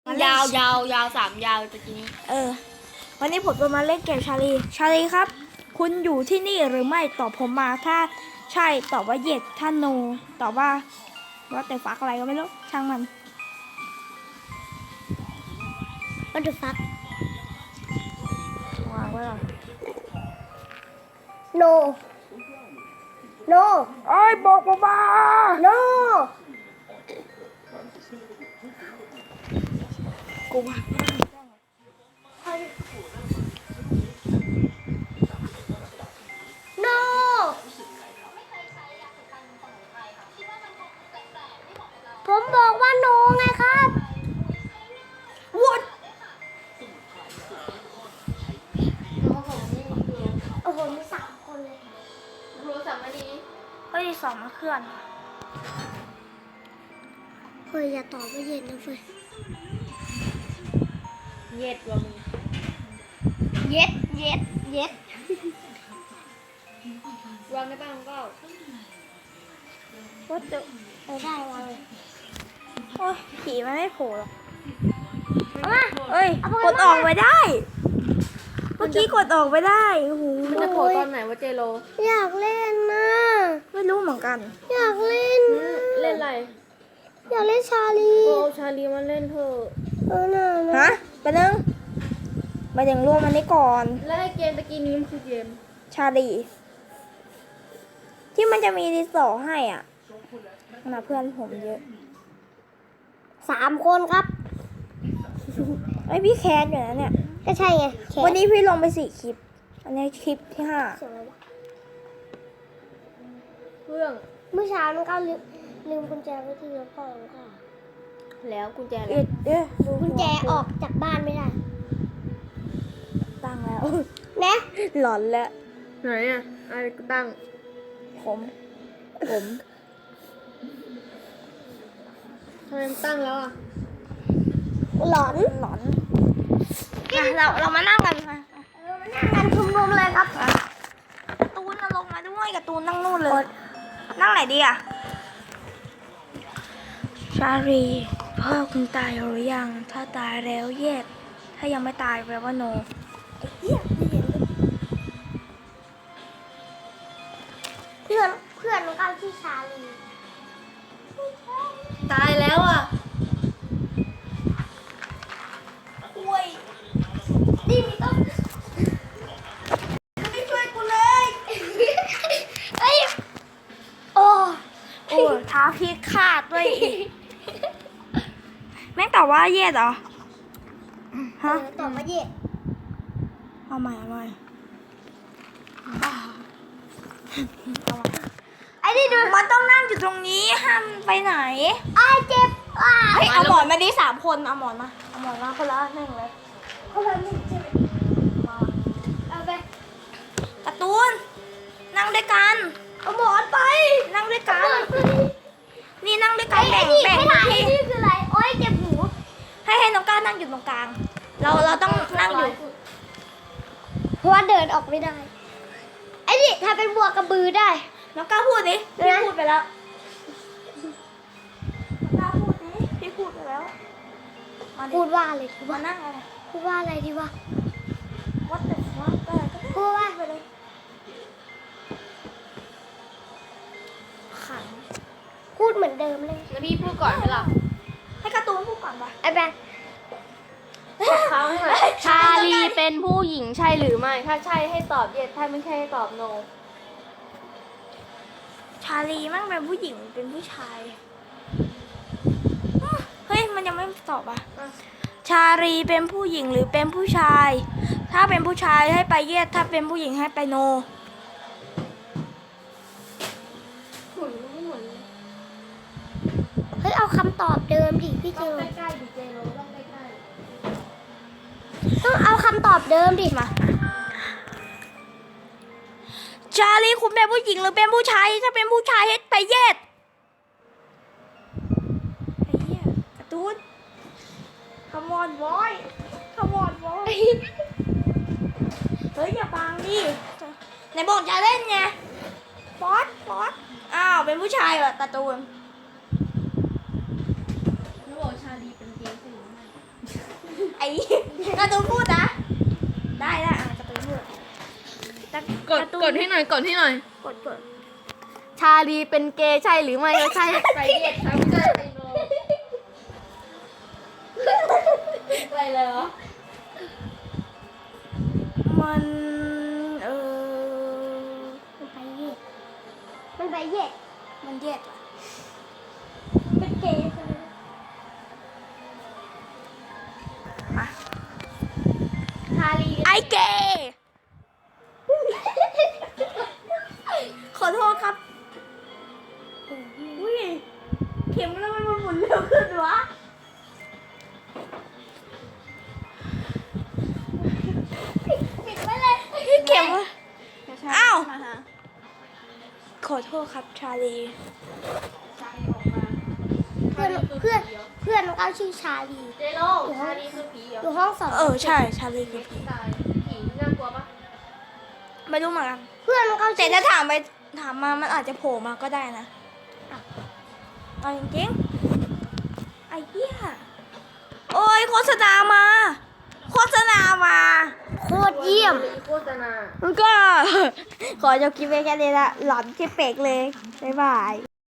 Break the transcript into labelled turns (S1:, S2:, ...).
S1: ยาวยาวยาว3 ยาวตะกี้นี้
S2: วันนี้ผมจะมาเล่นเกมชาลีครับคุณอยู่ที่นี่หรือไม่ตอบผมมาถ้าใช่ตอบว่าเย็ดถ้าโนตอบว่าแต่ฟักอะไรก็ไม่รู้ช่างมัน
S3: What the fuck
S2: วางไว้ก่อน
S3: No No
S2: เอ้ยบอกมา
S3: No
S2: กูมา
S3: No ผมบอกว่า No ไงครับ
S2: What
S3: โอ้โหมี3 คนเลย
S1: ครูสั่งมาดี
S2: เฮ้ยสองมาเคลื่อน
S3: เฮ้ยอย่าตอบว่าเย็นนะเฟ้ย
S1: เย็ดว่ะมึง
S3: เย็ดเย็ดเย็ด
S1: วางได้ป่ะน้องเก้า
S2: What the
S3: ได้วางเลย
S2: โอ้ยผีมันไม่โผล่หรอก
S3: เอามา
S2: เอ้ย
S3: เอาไป
S2: กดออกไปได้เมื่อกี้กดออกไปได้โอ้โห
S1: มันจะโผล่ตอนไหนวะเจโร
S3: อยากเล่นนะ
S2: ไม่รู้เหมือนกัน
S3: อยากเล่นนะ
S1: เล่นอะไร
S3: อยากเล่นชาลี
S1: โอ้ชาลีมาเล่นเถอะ
S3: น่ะ
S2: ฮะไปนึงไปถึงรวมอันนี้ก่อน
S1: แล้วไอ้เกมตะกี้นี้มันคือเกม
S2: ชาลีที่มันจะมีรีสอร์ทให้อ่ะมาเพื่อนผมเยอะ
S3: 3 คนครับ
S2: ไอยพี่แคสอยู่นะเนี่ย
S3: ก็ใช่ไงแข
S2: วันนี้พี่ลงไป4 คลิป อันนี้คลิปที่
S3: เสียงอะไรวะ
S1: เครื่อง
S3: เมื่อเช้าน้องก้าวลืมกุญแจไว้ที่รถพ่อน้องก้าว
S1: แล้วกุญแจ
S2: 5
S1: อะไร
S2: ดู
S3: กุญแจออกจากบ้านไม่ได้
S2: ตั้งแล้ว
S3: นะ
S2: หลอนแล้ว
S1: ไหนอ่ะอะไรกูตั้ง
S2: ผม
S1: ทำไมมันตั้งแล้วอ่ะ
S3: หลอน
S2: หลอนเรามานั่งกันมา
S3: มานั่งกันชุมนุมเลยครับ
S2: การ์ตูนน่ะลงมาด้วยการ์ตูนนั่งนู่นเลย นั่งไหนดีอ่ะชาลีพ่อคุณตายหรือยังถ้าตายแล้วเย็ดถ้ายังไม่ตายแปลว่าโนไอ้เหี้ยไม่เห็นเลย
S3: เพื่อนน้องก้าวชื่อชาลี
S1: ตายแล้วอ่ะ
S2: คุย
S3: ดิมีต้อง
S2: ไม่ช่วยกูเลย
S3: เอ้ยโอ้
S2: โอ้ท้าพิฆาตด้วยอีกแม่งตอบว่าเย็ดเหรอฮะ
S3: ตอบมาเย็ด
S2: เอาใหม่
S3: ไอ้นี่ดู
S2: มันต้องนั่งอยู่ตรงนี้ห้ามไปไหน
S3: ไอ้เจ็บอ่ะ
S2: เฮ้ยเอาหมอนมาดิ3 คนเอาหมอนมาคนละหนึ่งเลย
S3: คนละ1ใช่ไหมเอาไป
S2: การ์ตูนนั่งด้วยกัน
S3: เอาหมอนไป
S2: นั่งด้วยกัน
S3: หมอนไป
S2: นี่นั่งด้วยกัน
S3: ไอ้
S2: แบ่ง
S3: นี่
S2: แบ่ง
S3: ไม่ถ่าย
S2: ที่
S3: นี่คืออะไรโอ้ยเจ็บหู
S2: ให้น้องก้าวนั่งอยู่ตรงกลาง เราต้องนั่งอยู่
S3: เพราะว่าเดินออกไม่ได้ไอ้นี่ถ้าเป็นบัวกระบือได้
S2: น้องก้าวพูดดิพี่
S3: นะ
S2: พูดไปแล้วน้องก้าวพูดดิพี่พูดไปแล้วมาดิ
S3: พูดว่าอะไรดี
S2: มาว
S3: ะ
S2: นั่งอะไร
S3: พูดว่าอะไรดีวะ
S2: What the fuck อะไรก็ได้
S3: พูดว่า
S2: ไปเลยขัง
S3: พูดเหมือนเดิมเลย
S1: แล้วพี่พูดก่อนไหมล่ะ
S2: ให้การ์ตูนพูดก่อนปะ
S3: ไอ้แบง
S1: เขาให้หน่อยชาลีเป็นผู้หญิงใช่หรือไม่ ถ้าใช่ให้ตอบเย็ดถ้าไม่ใช่ให้ตอบโน
S2: ชาลีมั่งเป็นผู้หญิงเป็นผู้ชายเฮ้ยมันยังไม่ตอบอ่ะ ชาลีเป็นผู้หญิงหรือเป็นผู้ชาย ถ้าเป็นผู้ชายให้ไปเยสถ้าเป็นผู้หญิงให้ไปโน
S1: หมุนไม่หมุน
S3: เฮ้ยเอาคำตอบเดิมดิพี่เจ
S1: ต้อง
S3: โร
S1: ใกล้ๆดิเจโรต้องใกล้
S3: ต้องเอาคำตอบเดิมดิ
S2: มา ชาลีคุณเป็นผู้หญิงหรือเป็นผู้ชาย ถ้าเป็นผู้ชายให้ไปเยสไอ้เหี้ยการ์ตูน Come on boy Come on boy เฮ้ยอย่าบังดิไหนบอกจะเล่นไงฟอสอ้าวเป็นผู้ชายเหรอการ์ตูน
S1: ๆแล้วบอกชาลีเป็นเกย์ใช่หรือไม่
S2: การ์ตูนพูดนะ ได้ละการ์ตูนพูด
S1: กดให้หน่อยกดให้หน่อย
S2: กด
S1: ชาลีเป็นเกย์ใช่หรือไม่ก็ใช่ไปเย็ดครับไม่ใช่ไปโนอะไรเลยวะ
S2: มัน
S3: มันไปเย็ด
S2: มันแยก
S3: เป็นเกย์ใช่ไหม
S2: มา
S1: ชาลี
S2: ไอเกย์ขอโทษครับอุ้ยเข็มแล้วมันหมุนเร็วขึ้นวะ
S3: ปิดไว้เลย
S2: เข็มอ้าวขอโทษครับชาลี
S3: เพื่อนน้องก้าวชื่อชาลี
S1: เจโลชาลีคือผีเหรอ
S3: อยู่ห้องสอง
S2: ใช่ชาลีคือผี
S1: ตายผีน่ากลัวปะ
S2: ไม่รู้เหมือนกัน
S3: เพื่อนน้องก้าว
S2: แต่
S3: ชื่อ
S2: ถ้าถามมามันอาจจะโผล่มาก็ได้นะเอาจริงๆไอ้เหี้ยโอ้ยโฆษณามา
S3: โคตรเยี่ยม
S1: โฆษณา
S2: มันก็ ขอจบคลิปไว้แค่นี้ละหลอนที่เป็กเลย บ๊ายบาย